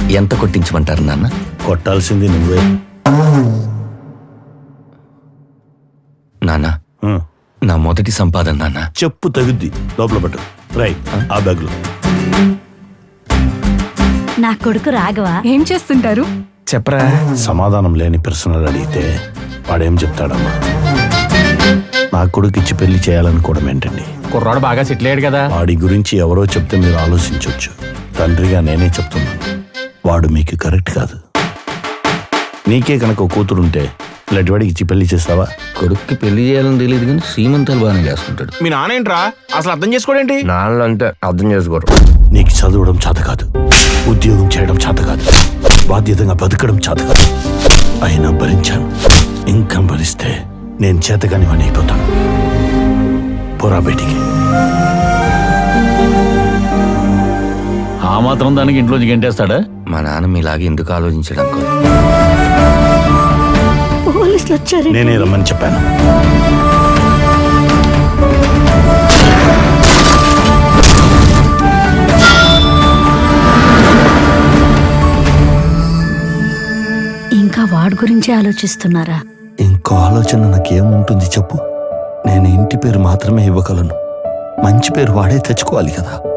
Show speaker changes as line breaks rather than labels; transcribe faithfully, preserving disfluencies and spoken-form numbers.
ఎంత కొట్టించమంటారు నాన్న?
కొట్టాల్సింది నువ్వే.
నాన్న, నా మొదటి సంపాదన నాన్న.
చెప్పు తగుద్ది, లోపల పట్టు. రై ఆ బ్యాగ్లో.
నా కొడుకు రాఘవ
ఏం చేస్తుంటారు?
చెప్పరా.
సమాధానం లేని ప్రశ్నలు అడిగితే వాడేం చెప్తాడమ్మా? నా కొడుకు ఇచ్చి పెళ్లి చేయాలనుకోవడం ఏంటండి?
కుర్రాడు బాగా సెటిల్ అయ్యాడు కదా.
వాడి గురించి ఎవరో చెప్తే మీరు ఆలోచించవచ్చు. తండ్రిగా నేనే చెప్తున్నాను, వాడు మీకు కరెక్ట్ కాదు. నీకే కనుక కూతురుంటే ఇలాంటి వాడికి ఇచ్చి పెళ్లి చేస్తావా?
కొడుక్కి పెళ్లి చేయాలని తెలియదు కానీ సీమంతాలు బాగానే చేస్తుంటాడు.
మీ నాన్న ఏంట్రా అసలు అర్థం చేసుకోడేంటి?
నాన్న అంటే అర్థం చేసుకోరు.
నీకు చదవడం చేత కాదు, ఉద్యోగం చేయడం చేత కాదు, బాధ్యతగా బతకడం చేత కాదు. అయినా భరించాను. ఇంకా భరిస్తే నేను చేతగాని వాడిని అయిపోతాను. పోరా బయటికి.
ఆ మాత్రం దానికి ఇంట్లోంచి గంటేస్తాడా?
మా నాన్న మీలాగే ఎందుకు ఆలోచించడం?
పోలీసులు వచ్చారు.
నేనే రమ్మని చెప్పాను.
ఇంకా వాడి గురించి ఆలోచిస్తున్నారా?
ఇంకో ఆలోచన నాకేముంటుంది చెప్పు? నేను ఇంటి పేరు మాత్రమే ఇవ్వగలను, మంచి పేరు వాడే తెచ్చుకోవాలి కదా.